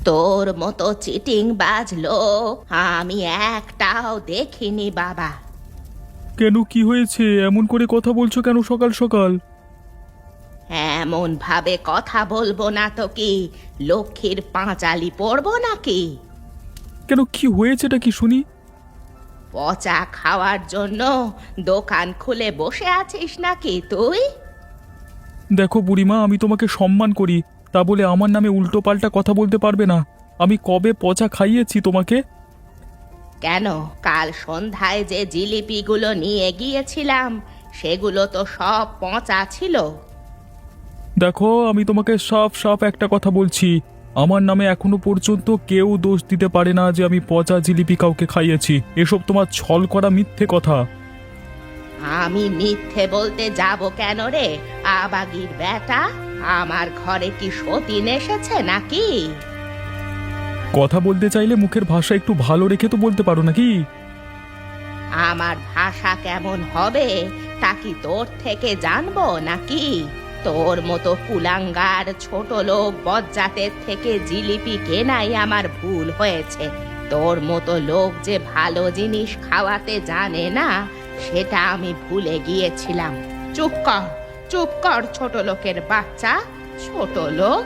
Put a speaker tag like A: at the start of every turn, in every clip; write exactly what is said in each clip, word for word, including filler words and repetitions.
A: তোর মতো চিটিং বাজলো আমি একটাও দেখিনি বাবা।
B: কেন, কি হয়েছে? এমন করে কথা বলছো কেন সকাল সকাল?
A: এমন ভাবে কথা বলবো না তো কি লক্ষ্মীর পাঁচালি পড়বো নাকি?
B: কেন, কি হয়েছেটা কি শুনি?
A: পচা খাওয়ার জন্য দোকান খুলে বসে আছিস নাকি তুই?
B: দেখো বুড়িমা, আমি তোমাকে সম্মান করি, তা বলে আমার নামে উল্টো পাল্টা কথা বলতে পারবে না। আমি কবে পচা খাইয়েছি তোমাকে?
A: কেন, কাল সন্ধ্যায় যে জিলিপিগুলো নিয়ে গিয়েছিলাম সেগুলো তো সব পচা ছিল।
B: দেখো, আমি তোমাকে সাফ সাফ একটা কথা বলছি, আমার নামে এখনো পর্যন্ত কেউ দোষ দিতে পারে না যে আমি পচা জিলিপি কাউকে খাইয়েছি। এসব তোমার ছল করা মিথ্যে কথা।
A: আমি মিথ্যে বলতে যাব কেন রে আবাগির বেটা? আমার ঘরে কি সতীন এসেছে নাকি?
B: কথা বলতে চাইলে মুখের ভাষা একটু ভালো রেখে তো বলতে পারো নাকি?
A: আমার ভাষা কেমন হবে তা কি তোর থেকে জানবো নাকি? তোর মতো কুলাঙ্গার ছোট লোক বজ্জাতের থেকে জিলিপি কেনাই আমার ভুল হয়েছে। তোর মতো লোক যে ভালো জিনিস খাওয়াতে জানে না সেটা আমি ভুলে গিয়েছিলাম। চুপ কর, চুপ কর ছোট লোকের বাচ্চা, ছোট লোক।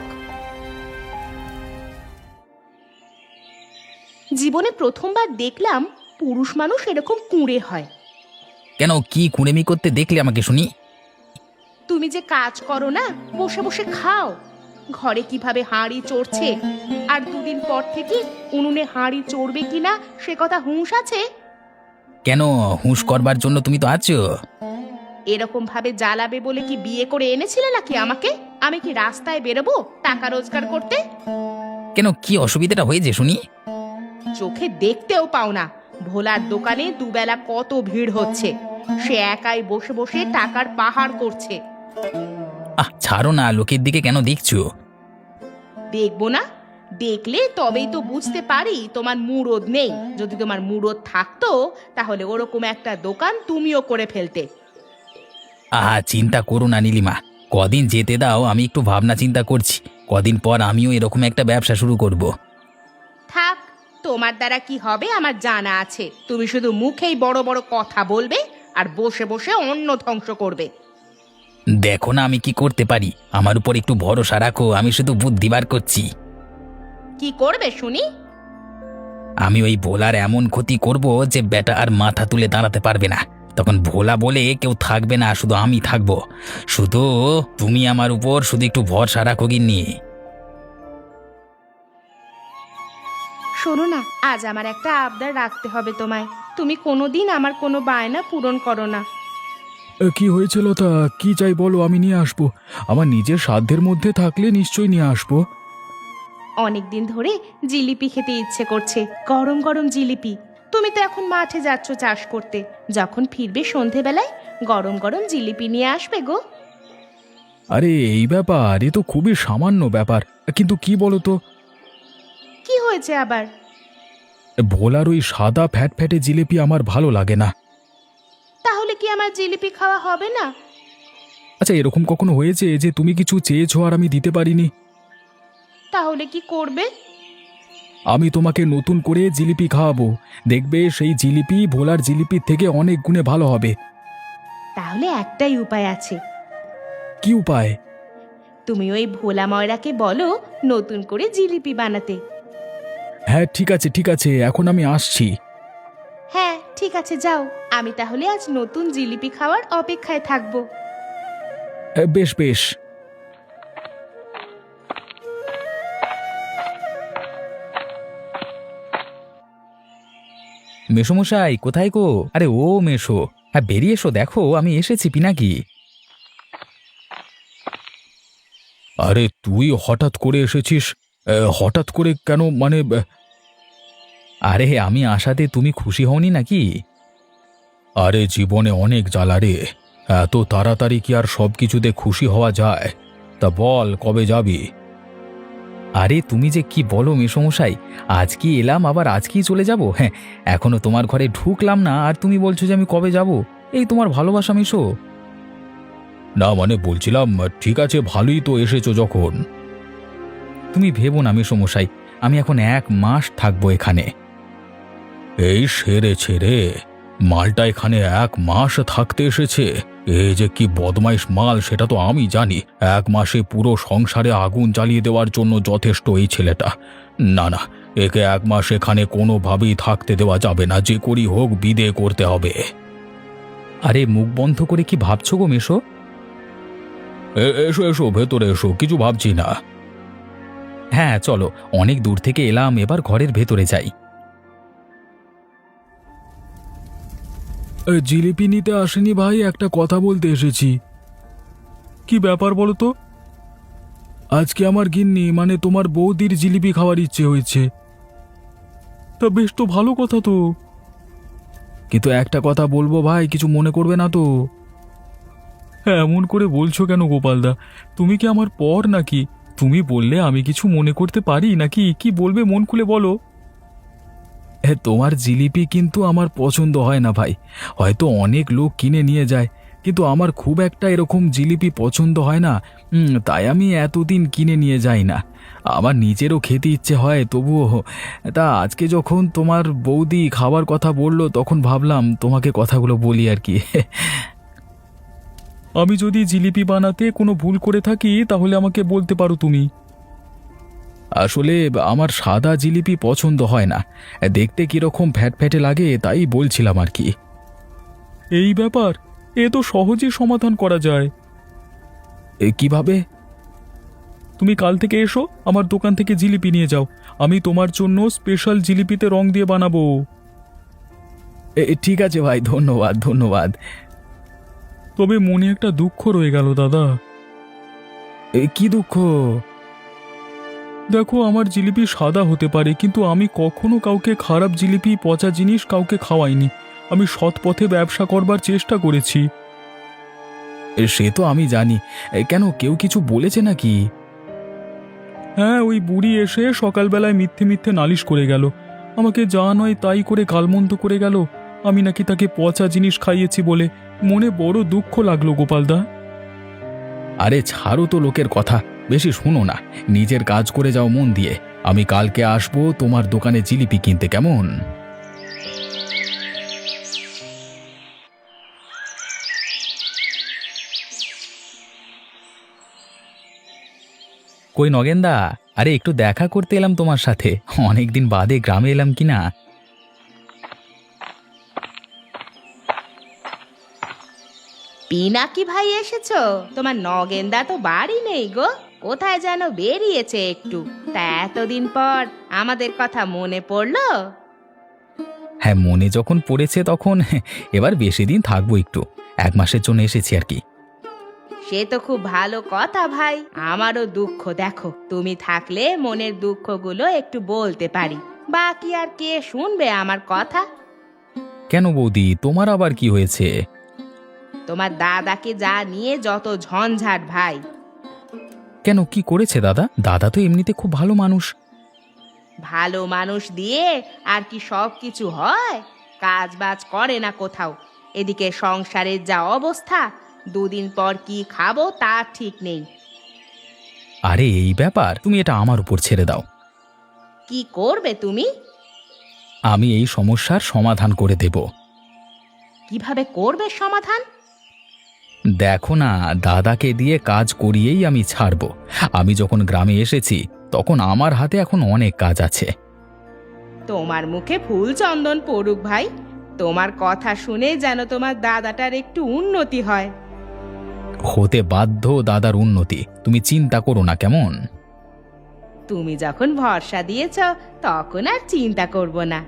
A: জীবনে প্রথমবার দেখলাম পুরুষ মানুষ এরকম কুঁড়ে হয়।
C: কেন, কি কুড়েমি করতে দেখলে আমাকে শুনি?
A: তুমি যে কাজ করো না, বসে বসে খাও। ঘরে কিভাবে হাঁড়ি চড়ছে, আর দুদিন পর থেকে উনুনে হাঁড়ি চড়বে কিনা সে কথা হুঁশ আছে?
C: কেন, হুঁশ করবার জন্য তুমি তো আছো।
A: এরকম ভাবে জ্বালাবে বলে কি বিয়ে করে এনেছিলে নাকি আমাকে? আমি কি রাস্তায় বেরোবো টাকা রোজগার করতে?
C: কেন, কি অসুবিধাটা হয়েছে শুনি?
A: চোখে দেখতেও পাও না ভোলার দোকানে দুবেলা কত ভিড় হচ্ছে, সে একাই বসে বসে টাকার পাহাড় করছে।
C: আহ, ছাড়ো না, লোকের দিকে কেন দেখছো?
A: দেখবো না? দেখলে তবেই তো বুঝতে পারি তোমার মুরদ নেই। যদি তোমার মুরদ থাকতো তাহলে ওরকম একটা দোকান তুমিও করে ফেলতে।
C: আহা, চিন্তা করো না নীলিমা, কদিন যেতে দাও, আমি একটু ভাবনা চিন্তা করছি। কদিন পর আমিও এরকম একটা ব্যবসা শুরু করব।
A: থাক, তোমার দ্বারা কি হবে আমার জানা আছে। তুমি শুধু মুখেই বড় বড় কথা বলবে আর বসে বসে অন্ন ধ্বংস করবে।
C: দেখো না আমি কি করতে পারি, আমার উপর একটু ভরসা রাখো, আমি শুধু বুদ্ধি বার করছি।
A: কি করবে শুনি?
C: আমি ওই ভোলার এমন ক্ষতি করব যে বেটা আর মাথা তুলে দাঁড়াতে পারবে না। তখন ভোলা বলে কেউ থাকবে না, শুধু আমি থাকবো। শুধু তুমি আমার উপর শুধু একটু ভরসা রাখো গিন্নি।
A: শোনো না, আজ আমার একটা আবদার রাখতে হবে তোমায়। তুমি কোনোদিন আমার কোনো বায়না পূরণ করো না।
B: কি হয়েছিল তা? কি চাই বলো, আমি নিয়ে আসবো। আমার নিজের সাধ্যের মধ্যে থাকলে নিশ্চয়ই নিয়ে আসবো।
A: অনেকদিন ধরে জিলিপি খেতে ইচ্ছে করছে, গরম গরম জিলিপি। তুমি তো এখন মাঠে যাচ্ছ চাষ করতে, যখন ফিরবে সন্ধেবেলায় গরম গরম জিলিপি নিয়ে আসবে গো।
B: আরে এই ব্যাপার, এ তো খুবই সামান্য ব্যাপার, কিন্তু কি বলো তো,
A: কি হয়েছে আবার?
B: ভোলার ওই সাদা ফ্যাট ফ্যাটে জিলিপি আমার ভালো লাগে না।
A: তাহলে কি আমার জিলিপি খাওয়া হবে না?
B: আচ্ছা, এরকম কখনো হয়েছে যে তুমি কিছু চেয়েছো আর আমি দিতে পারিনি?
A: তাহলে কি করবে?
B: আমি তোমাকে নতুন করে জিলিপি খাওয়াবো, দেখবে সেই জিলিপি ভোলার জিলিপির থেকে অনেক গুণে ভালো হবে।
A: তাহলে একটাই উপায় আছে।
B: কি উপায়?
A: তুমি ওই ভোলা ময়রাকে বলো নতুন করে জিলিপি বানাতে।
B: হ্যাঁ ঠিক আছে ঠিক আছে, এখন আমি আসছি।
A: হ্যাঁ ঠিক আছে, যাও। আমি তাহলে আজ নতুন জিলিপি খাওয়ার অপেক্ষায় থাকবো।
B: হ্যাঁ, বেশ বেশ।
C: মেসোমশাই কোথায় গো? আরে ও মেসো, হ্যাঁ বেরিয়ে এসো, দেখো আমি এসেছি পিনাকি।
B: আরে তুই হঠাৎ করে এসেছিস? এ, হঠাৎ করে কেন, মানে?
C: আরে আমি আসাতে তুমি খুশি হওনি নাকি?
B: আরে জীবনে অনেক জ্বালা রে, এত তাড়াতাড়ি কি আর সব কিছুতে খুশি হওয়া যায়? তা বল, কবে যাবি?
C: আরে তুমি যে কি বলো মেসোমশাই, আজ কি এলাম আবার আজকেই চলে যাব? হ্যাঁ, এখনো তোমার ঘরে ঢুকলাম না আর তুমি বলছো যে আমি কবে যাব? এই তোমার ভালোবাসা মেসো।
B: না মানে বলছিলাম, ঠিক আছে ভালোই তো এসেছো যখন।
C: তুমি ভেবো না মেসোমশাই, আমি এখন এক মাস থাকবো এখানে। এই সেরেছে রে, মালটা এখানে এক মাস থাকতে এসেছে। এই যে কি বদমাইশ মাল সেটা তো আমি জানি। এক মাসে পুরো সংসারে আগুন জ্বালিয়ে দেওয়ার জন্য যথেষ্ট এই ছেলেটা। না না, একে এক মাস এখানে কোনোভাবেই থাকতে দেওয়া যাবে না, যে করি হোক বিদে করতে হবে। আরে মুখ বন্ধ করে কি ভাবছো গো মেশো? এসো এসো, ভেতরে এসো, কিছু ভাবছি না। হ্যাঁ চলো, অনেক দূর থেকে এলাম, এবার ঘরের ভেতরে যাই।
B: জিলিপি নিতে আসেনি ভাই, একটা কথা বলতে এসেছি। কি ব্যাপার বলো তো? আজকে আমার গিন্নি মানে তোমার বৌদির জিলিপি খাওয়ার ইচ্ছে হয়েছে। তা বেশ তো ভালো কথা তো, কিন্তু একটা কথা বলবো ভাই, কিছু মনে করবে না তো? হ্যাঁ, এমন করে বলছো কেন গোপালদা? তুমি কি আমার পর নাকি? তুমি বললে আমি কিছু মনে করতে পারি নাকি? কি বলবে মন খুলে বলো। হ্যাঁ, তোমার জিলিপি কিন্তু আমার পছন্দ হয় না ভাই। হয়তো অনেক লোক কিনে নিয়ে যায়, কিন্তু আমার খুব একটা এরকম জিলিপি পছন্দ হয় না। হুম, তাই আমি এতদিন কিনে নিয়ে যাই না। আমার নিজেরও খেতে ইচ্ছে হয়, তবুও তা আজকে যখন তোমার বৌদি খাবার কথা বললো তখন ভাবলাম তোমাকে কথাগুলো বলি আর কি। আমি যদি জিলিপি বানাতে কোনো ভুল করে থাকি তাহলে আমাকে বলতে পারো তুমি। আসলে আমার সাদা জিলিপি পছন্দ হয় না, দেখতে কিরকম ফ্যাট ফ্যাটে লাগে, তাই বলছিলাম আর কি। এই ব্যাপার, এ তো সহজেই সমাধান করা যায়। এ কিভাবে? তুমি কাল থেকে এসো, আমার দোকান থেকে জিলিপি নিয়ে যাও। আমি তোমার জন্য স্পেশাল জিলিপিতে রং দিয়ে বানাবো। ঠিক আছে ভাই, ধন্যবাদ ধন্যবাদ। তবে মনে একটা দুঃখ রয়ে গেল দাদা। এ কি দুঃখ? দেখো, আমার জিলিপি সাদা হতে পারে, কিন্তু আমি কখনো কাউকে খারাপ জিলিপি, পচা জিনিস কাউকে খাওয়াইনি। আমি সৎ পথে ব্যবসা করবার চেষ্টা করেছি। সে তো আমি জানি, কেন কেউ কিছু বলেছে নাকি? হ্যাঁ, ওই বুড়ি এসে সকালবেলায় মিথ্যে মিথ্যে নালিশ করে গেল। আমাকে যা নয় তাই করে গালমন্দ করে গেল। আমি নাকি তাকে পচা জিনিস খাইয়েছি বলে। মনে বড় দুঃখ লাগলো গোপালদা। আরে ছাড়ো তো লোকের কথা, বেশি শুনো না, নিজের কাজ করে যাও মন দিয়ে। আমি কালকে আসবো তোমার দোকানে জিলিপি কিনতে, কেমন? কই নগেনদা, আরে একটু দেখা করতে এলাম তোমার সাথে, অনেকদিন বাদে গ্রামে এলাম কিনা।
A: পিনাকি ভাই এসেছো? তোমার নগেনদা তো বাড়ি নেই গো, কোথায় যেন বেরিয়েছে একটু। তা এতদিন পর আমাদের কথা মনে পড়লো?
C: হ্যাঁ, মনে যখন পড়েছে তখন এবার বেশি দিন থাকবো, একটু এক মাসের জন্য এসেছি আর কি।
A: সে তো খুব ভালো কথা ভাই। আমারও দুঃখ, দেখো তুমি থাকলে মনের দুঃখগুলো একটু বলতে পারি। বাকি আর কে শুনবে আমার কথা?
C: কেন বৌদি, তোমার আবার কি হয়েছে?
A: তোমার দাদাকে যা নিয়ে যত ঝঞ্ঝাট ভাই।
C: কেন, কি করেছে দাদা? দাদা তো এমনিতে খুব ভালো মানুষ।
A: ভালো মানুষ দিয়ে আর কি সব কিছু হয়? কাজ বাজ করে না কোথাও। এদিকে সংসারের যা অবস্থা, দুদিন পর কি খাবো তার ঠিক নেই।
C: আরে এই ব্যাপার, তুমি এটা আমার উপর ছেড়ে দাও।
A: কি করবে তুমি?
C: আমি এই সমস্যার সমাধান করে দেব।
A: কিভাবে করবে সমাধান?
C: দেখো না, দাদাকে দিয়ে কাজ করিয়েই আমি ছাড়ব। আমি যখন গ্রামে এসেছি তখন আমার হাতে এখন অনেক কাজ আছে।
A: তোমার মুখে ফুল চন্দন পড়ুক ভাই। তোমার কথা শুনে যেন তোমার দাদাটার একটু উন্নতি হয়।
C: হতে বাধ্য দাদার উন্নতি, তুমি চিন্তা করো না, কেমন?
A: তুমি যখন ভরসা দিয়েছ তখন আর চিন্তা করব না।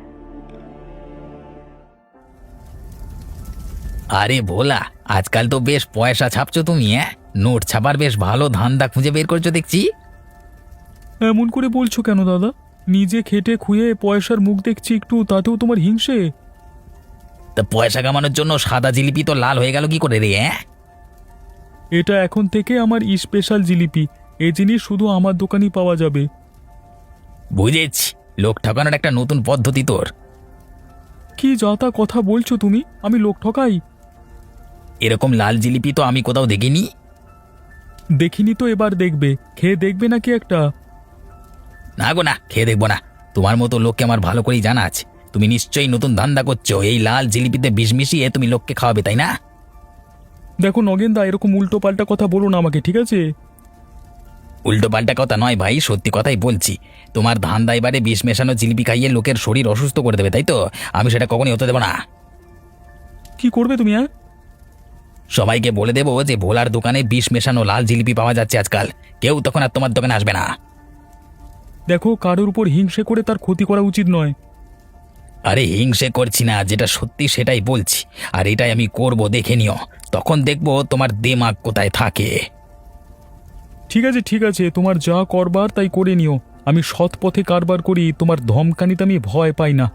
C: আরে ভোলা, আজকাল তো বেশ পয়সা ছাপছো তুমি, হ্যাঁ? নোট ছাপার বেশ ভালো ধান্দা খুঁজে বের করছো দেখছি।
B: এমন করে বলছো কেন দাদা? নিজে খেটে খুয়ে পয়সার মুখ দেখছি একটু, তাতেও তোমার হিংসে?
C: তা পয়সা কামানোর জন্য সাদা জিলিপি তো লাল হয়ে গেল কি করে রে? হ্যাঁ,
B: এটা এখন থেকে আমার স্পেশাল জিলিপি। এই জিনিস শুধু আমার দোকানেই পাওয়া যাবে।
C: বুঝেছি, লোক ঠকানোর একটা নতুন পদ্ধতি তোর।
B: কি যা তা কথা বলছো তুমি? আমি লোক ঠকাই?
C: এরকম লাল জিলিপি তো আমি কোথাও দেখিনি।
B: দেখিনি তো এবার দেখবে, খেয়ে দেখবে নাকি একটা?
C: না গো না, খেয়ে দেখবো না। তোমার মতো লোককে আমার ভালো করেই জানা আছে। তুমি নিশ্চয়ই নতুন ধান্দা করছো, এই লাল জিলিপিতে বিষ মিশিয়ে তুমি লোককে খাওয়াবে, তাই না?
B: দেখো নগেনদা, এরকম উল্টো পাল্টা কথা বলো না আমাকে, ঠিক আছে?
C: উল্টো পাল্টা কথা নয় ভাই, সত্যি কথাই বলছি। তোমার ধান্দা এবারে বিষ মেশানো জিলিপি খাইয়ে লোকের শরীর অসুস্থ করে দেবে, তাই তো? আমি সেটা কখনই হতে দেবো না।
B: কি করবে তুমি? হ্যাঁ,
C: সবাইকে বলে দেবো যে ভোলার দোকানে বিষ মেশানো লাল জিলিপি পাওয়া যাচ্ছে আজকাল। কেউ তখন আর তোমার দোকানে আসবে না।
B: দেখো, কারোর উপর হিংসে করে তার ক্ষতি করা উচিত নয়।
C: আরে হিংসে করছি না, যেটা সত্যি সেটাই বলছি। আর এটাই আমি করব, দেখে নিও। তখন দেখবো তোমার দিমাগ কোথায় থাকে।
B: ঠিক আছে ঠিক আছে, তোমার যা করবার তাই করে নিও। আমি সৎ পথে কারবার করি, তোমার ধমকানিতে আমি ভয় পাই না।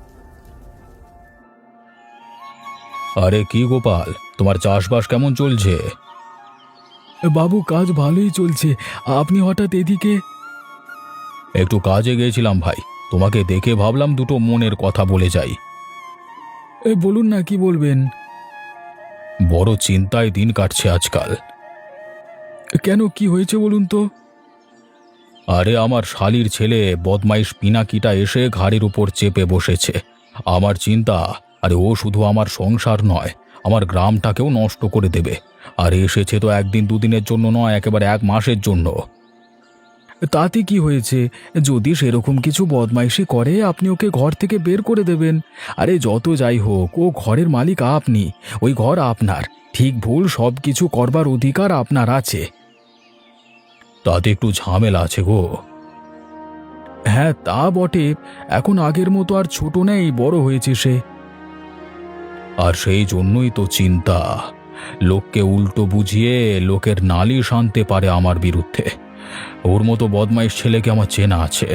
B: আরে কি গোপাল, তোমার চাষবাস কেমন চলছে? বাবু, কাজ ভালোই চলছে। আপনি হঠাৎ এদিকে? একটু কাজে গিয়েছিলাম ভাই, তোমাকে দেখে ভাবলাম দুটো মনের কথা বলে যাই। বলুন না, কি বলবেন? বড় চিন্তায় দিন কাটছে আজকাল। কেন, কি হয়েছে বলুন তো? আরে আমার শালির ছেলে বদমাইশ পিনাকিটা এসে ঘাড়ের উপর চেপে বসেছে। আমার চিন্তা, আরে ও শুধু আমার সংসার নয়, আমার গ্রামটাকেও নষ্ট করে দেবে। আর এসেছে তো একদিন দুদিনের জন্য নয়, একেবারে এক মাসের জন্য। তাতে কি হয়েছে? যদি সেরকম কিছু বদমাইশি করে, আপনি ওকে ঘর থেকে বের করে দেবেন। আরে যত যাই হোক, ও ঘরের মালিক আপনি, ওই ঘর আপনার। ঠিক ভুল সব কিছু করবার অধিকার আপনার আছে। তাতে একটু ঝামেলা আছে গো। হ্যাঁ তা বটে, এখন আগের মতো আর ছোট নেই, বড় হয়েছে সে। আর সেই জন্যই তো চিন্তা, লোককে উল্টো বুঝিয়ে লোকের নালিশ আনতে পারে আমার বিরুদ্ধে। ওর মতো বদমাইশ ছেলেকে আমার চেনা আছে।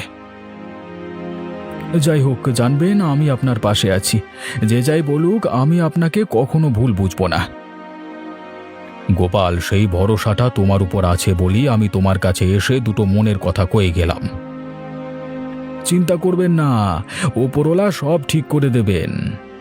B: যাই হোক, জানবেন আমি আপনার পাশে আছি। যে যাই বলুক, আমি আপনাকে কখনো ভুল বুঝবো না। গোপাল, সেই ভরসাটা তোমার উপর আছে বলি আমি তোমার কাছে এসে দুটো মনের কথা কয়ে গেলাম। চিন্তা করবেন না, ওপরওয়ালা সব ঠিক করে দেবেন।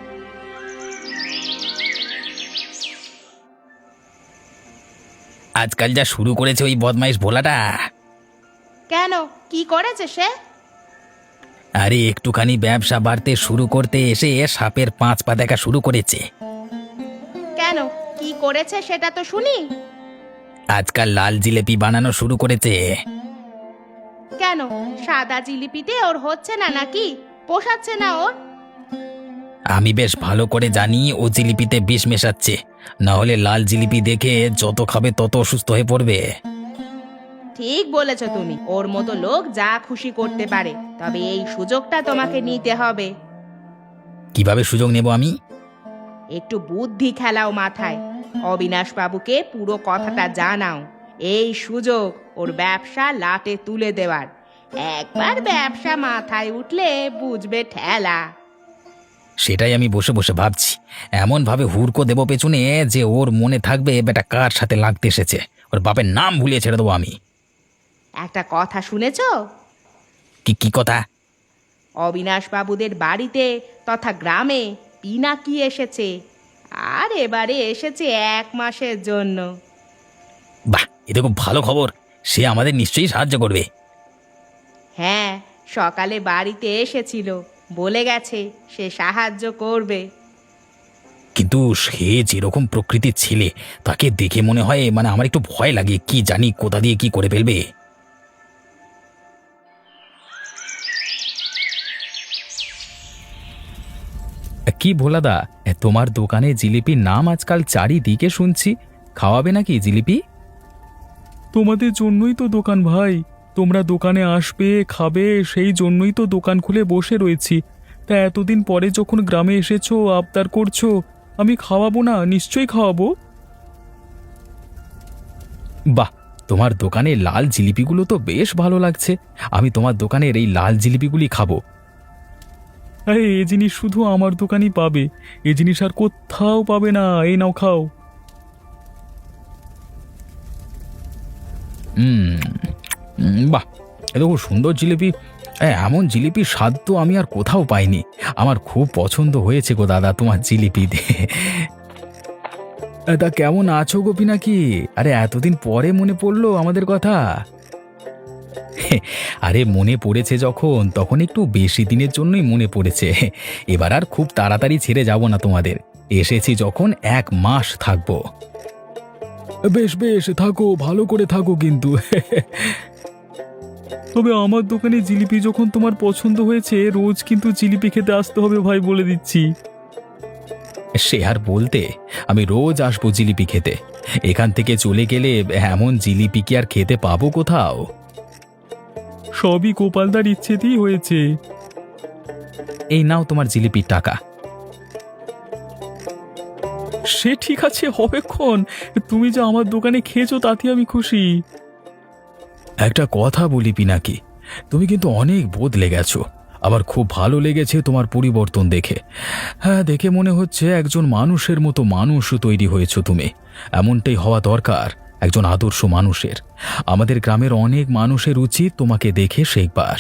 C: আজকাল যা শুরু করেছে ওই বদমাইশ ভোলাটা।
A: কেন, কি করেছে সে?
C: আরে একটুখানি ব্যবসা বাড়তে শুরু করতে এসে সাপের পাঁচ পা দেখা শুরু করেছে।
A: কেন, কি করেছে সেটা তো শুনি।
C: আজকাল লাল জিলেপি বানানো শুরু করেছে।
A: কেন, সাদা জিলিপিতে ওর হচ্ছে না নাকি? পোষাচ্ছে না ওর?
C: আমি বেশ ভালো করে জানি ও জিলিপিতে বিষ মেশাচ্ছে, না হলে লাল জিলিপি দেখে যত খাবে তত অসুস্থ হয়ে পড়বে।
A: ঠিক বলেছ তুমি, ওর মতো লোক যা খুশি করতে পারে, তবে এই সুযোগটা তোমাকে নিতে হবে।
C: কিভাবে সুযোগ নেব আমি?
A: একটু বুদ্ধি খেলাও মাথায়। অবিনাশ বাবুকে পুরো কথাটা জানাও। এই সুযোগ ওর ব্যবসা লাটে তুলে দেওয়ার। একবার ব্যবসা মাথায় উঠলে বুঝবে ঠেলা।
C: সেটাই আমি বসে বসে ভাবছি, এমন ভাবে হুড়কো দেব পেছনে যে ওর মনে থাকবে বেটা কার সাথে লাগতে এসেছে। ওর বাপের নাম ভুলিয়ে ছেড়ে দেবো আমি।
A: একটা কথা শুনেছো?
C: কি কি কথা?
A: অবিনাশ বাবুদের বাড়িতে তথা গ্রামে পিনাকি এসেছে, আর এবারে এসেছে এক মাসের জন্য।
C: বাহ, এটা খুব ভালো খবর। সে আমাদের নিশ্চয়ই সাহায্য করবে।
A: হ্যাঁ, সকালে বাড়িতে এসেছিল, বলে গেছে সে সাহায্য করবে।
C: কিন্তু সে যেরকম প্রকৃতির ছেলে, তাকে দেখে মনে হয় মানে আমার একটু ভয় লাগে। কি জানি কোথা দিয়ে কি করে ফেলবে। কি ভোলাদা, তোমার দোকানে জিলিপির নাম আজকাল চারিদিকে শুনছি। খাওয়াবে নাকি জিলিপি?
B: তোমাদের জন্যই তো দোকান ভাই, তোমরা দোকানে আসবে খাবে, সেই জন্যই তো দোকান খুলে বসে রয়েছি। তা এতদিন পরে যখন গ্রামে এসেছো, আবদার করছো, আমি খাওয়াবো না? নিশ্চয়ই খাওয়াবো।
C: বাহ, তোমার দোকানে লাল জিলিপিগুলো তো বেশ ভালো লাগছে। আমি তোমার দোকানের এই লাল জিলিপিগুলি খাবো।
B: আরে এ জিনিস শুধু আমার দোকানই পাবে, এ জিনিস আর কোথাও পাবে না। এই নাও, খাও।
C: হুম, বাহ, এত খুব সুন্দর জিলিপি। এমন জিলিপির স্বাদ তো আমি আর কোথাও পাইনি। আমার খুব পছন্দ হয়েছে গো দাদা তোমার জিলিপি দিয়ে।
B: তা কেমন আছো গোপী নাকি? আরে এতদিন পরে মনে পড়লো আমাদের কথা।
C: আরে মনে পড়েছে যখন, তখন একটু বেশি দিনের জন্যই মনে পড়েছে। এবার আর খুব তাড়াতাড়ি ছেড়ে যাব না তোমাদের। এসেছি যখন এক মাস থাকবো।
B: বেশ বেশ, থাকো, ভালো করে থাকো কিন্তু। তবে আমার দোকানে জিলিপি যখন তোমার পছন্দ হয়েছে, রোজ কিন্তু জিলিপি খেতে আসতে হবে ভাই, বলে দিচ্ছি।
C: সে আর বলতে, আমি রোজ আসবো জিলিপি খেতে। এখান থেকে চলে গেলে এমন জিলিপি কি আর খেতে পাবো কোথাও?
B: সবই গোপালদার ইচ্ছেতেই হয়েছে।
C: এই নাও তোমার জিলিপির টাকা।
B: সে ঠিক আছে, হবেক্ষণ। তুমি যে আমার দোকানে খেয়েছো তাতে আমি খুশি।
C: একটা কথা বলি পিনাকি, তুমি কিন্তু অনেক বদলে গেছো। আমার খুব ভালো লেগেছে তোমার পরিবর্তন দেখে। হ্যাঁ, দেখে মনে হচ্ছে একজন মানুষের মতো মানুষ তৈরি হয়েছো তুমি। এমনটাই হওয়া দরকার একজন আদর্শ মানুষের। আমাদের গ্রামের অনেক মানুষের উচিত তোমাকে দেখে শেখবার।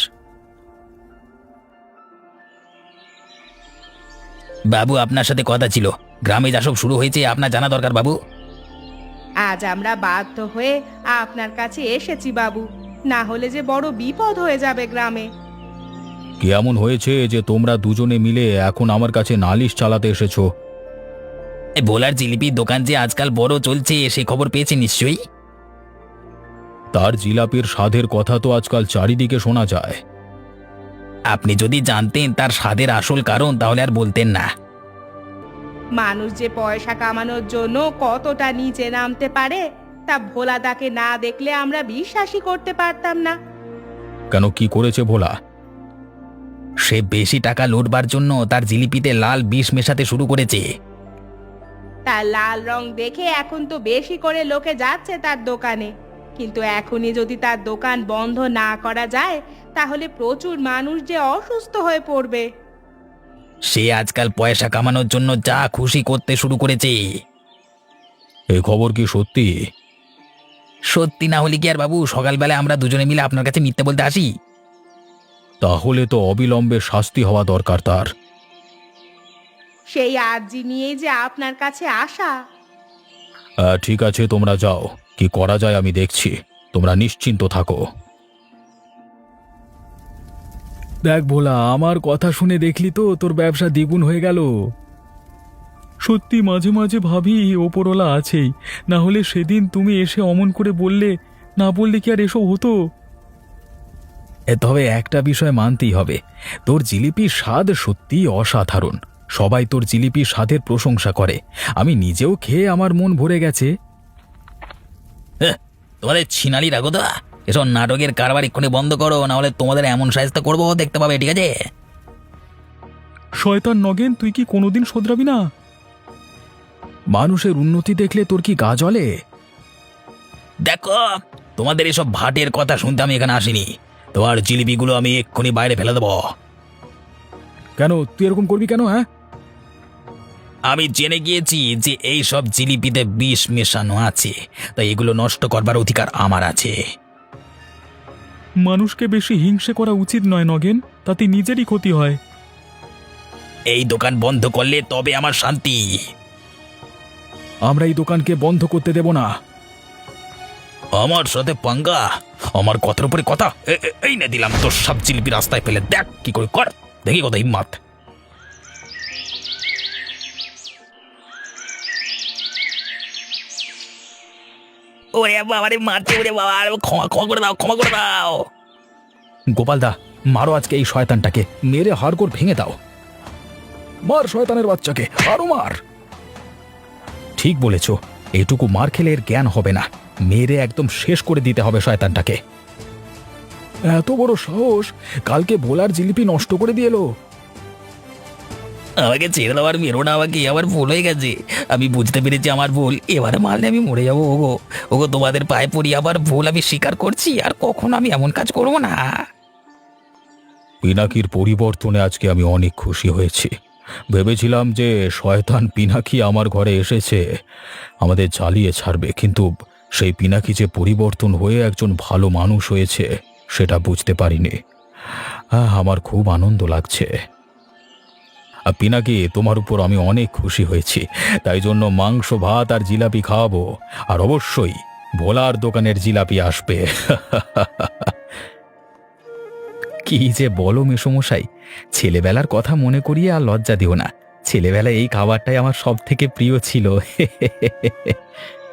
C: বাবু, আপনার সাথে কথা ছিল। গ্রামে যা সব শুরু হয়েছে আপনার জানা দরকার বাবু।
A: আজ আমরা বাধ্য হয়ে আপনার কাছে এসেছি বাবু, না হলে যে বড় বিপদ হয়ে যাবে গ্রামে।
C: কি এমন হয়েছে যে তোমরা দুজনে মিলে এখন আমার কাছে নালিশ চালাতে এসেছো? ভোলার জিলিপির দোকান যে আজকাল বড় চলছে, সে খবর পেয়েছে নিশ্চয়ই। তার জিলাপির স্বাদের কথা তো আজকাল চারিদিকে শোনা যায়। আপনি যদি জানতেন তার স্বাদের আসল কারণ, তাহলে আর বলতেন না।
A: মানুষ যে পয়সা কামানোর জন্য কতটা নিচে নামতে পারে তা ভোলাদাকে না দেখলে আমরা বিশ্বাসই করতে পারতাম না।
C: কেন, কি করেছে ভোলা? সে বেশি টাকা লুটবার জন্য তার জিলিপিতে লাল বিষ মেশাতে শুরু করেছে।
A: তার লাল রং দেখে এখন তো বেশি করে লোকে যাচ্ছে তার দোকানে, কিন্তু এখনই যদি তার দোকান বন্ধ না করা যায় তাহলে প্রচুর মানুষ যে অসুস্থ হয়ে পড়বে।
C: সে আজকাল পয়সা কামানোর জন্য যা খুশি করতে শুরু করেছে। এই খবর কি সত্যি? সত্যি না হলে কি আর বাবু সকালবেলা আমরা দুজনে মিলে আপনার কাছে মিথ্যে বলতে আসি? তাহলে তো অবিলম্বে শাস্তি হওয়া দরকার তার।
A: সেই আর্জি নিয়েই যে আপনার কাছে আসা।
C: ঠিক আছে, তোমরা যাও, কি করা যায় আমি দেখছি। তোমরা নিশ্চিন্ত থাকো।
B: দেখ ভোলা, আমার কথা শুনে দেখলি তো তোর ব্যবসা দ্বিগুণ হয়ে গেল। সত্যি মাঝে মাঝে ভাবি ওপরওয়ালা আছেই, না হলে সেদিন তুমি এসে অমন করে বললে, না বললে কি আর এসব হতো?
C: তবে একটা বিষয় মানতেই হবে, তোর জিলিপির স্বাদ সত্যিই অসাধারণ। সবাই তোর জিলিপির স্বাদের প্রশংসা করে। আমি নিজেও খেয়ে আমার মন ভরে গেছে। তোমাদের ছিনালি রাখো তো, এসব নাটকের কারবার এক্ষুনি বন্ধ করো, না হলে তোমাদের এমন সাহায্য করবো দেখতে পাবে, ঠিক আছে?
B: শয়তান নগেন, তুই কি কোনোদিন শোধরাবি না?
C: মানুষের উন্নতি দেখলে তোর কি গা জ্বলে? দেখো, তোমাদের এসব ভাটের কথা শুনতে আমি এখানে আসিনি। তোমার জিলিপিগুলো আমি এক্ষুনি বাইরে ফেলে দেবো।
B: কেন তুই এরকম করবি কেন? হ্যাঁ,
C: আমি জেনে গিয়েছি যে এই সব জিলিপিতে বিষ মেশানো আছে, তাই এগুলো নষ্ট করবার অধিকার আমার আছে।
B: মানুষকে বেশি হিংসে করা উচিত নয় নগেন, তাতে নিজেরই ক্ষতি হয়।
C: এই দোকান বন্ধ করলে তবে আমার শান্তি।
B: আমরা এই দোকানকে বন্ধ করতে দেব না।
C: আমার সাথে পাঙ্গা? আমার কথার উপরে কথা। এ- এ- এই না দিলাম তোর সব জিলিপি রাস্তায় ফেলে, দেখ কি করে কর, দেখি কত হিম্মত। ওরে বাবা রে, মারছে ওরে বাবা, ক্ষমা ক্ষমা করে দাও, ক্ষমা করে দাও। গোপালদা, মারো আজকে এই শয়তানটাকে, মেরে হাড়গোড় ভেঙে দাও।
B: মার শয়তানের বাচ্চাকে, আরো মার।
C: ঠিক বলেছ, এইটুকু মার খেলে এর জ্ঞান হবে না। মেরে একদম শেষ করে দিতে হবে শয়তানটাকে।
B: এত বড় সাহস, কালকে ভোলার জিলিপি নষ্ট করে দিয়ে এলো।
C: আমাকে ছেড়ে দেওয়ার মেরো না, আমাকে আমার ভুল হয়ে গেছে। আমি বুঝতে পেরেছি আমার ভুল। এবারে মারলে আমি মরে যাবো। ওগো ওগো, তোমাদের পায়ে পড়ি, আবার ভুল আমি স্বীকার করছি, আর কখনো আমি এমন কাজ করবো না। পিনাকির পরিবর্তনে আজকে আমি অনেক খুশি হয়েছি। ভেবেছিলাম যে শয়তান পিনাকি আমার ঘরে এসেছে, আমাদের জ্বালিয়ে ছাড়বে, কিন্তু সেই পিনাকি যে পরিবর্তন হয়ে একজন ভালো মানুষ হয়েছে সেটা বুঝতে পারিনি। আহ, আমার খুব আনন্দ লাগছে। আর পিনাকি, তোমার উপর আমি অনেক খুশি হয়েছি, তাই জন্য মাংস ভাত আর জিলাপি খাওয়াবো, আর অবশ্যই ভোলার দোকানের জিলাপি আসবে। কি যে বলো মেসোমশাই, ছেলেবেলার কথা মনে করিয়ে আর লজ্জা দিও না। ছেলেবেলায় এই খাবারটাই আমার সব থেকে প্রিয় ছিল।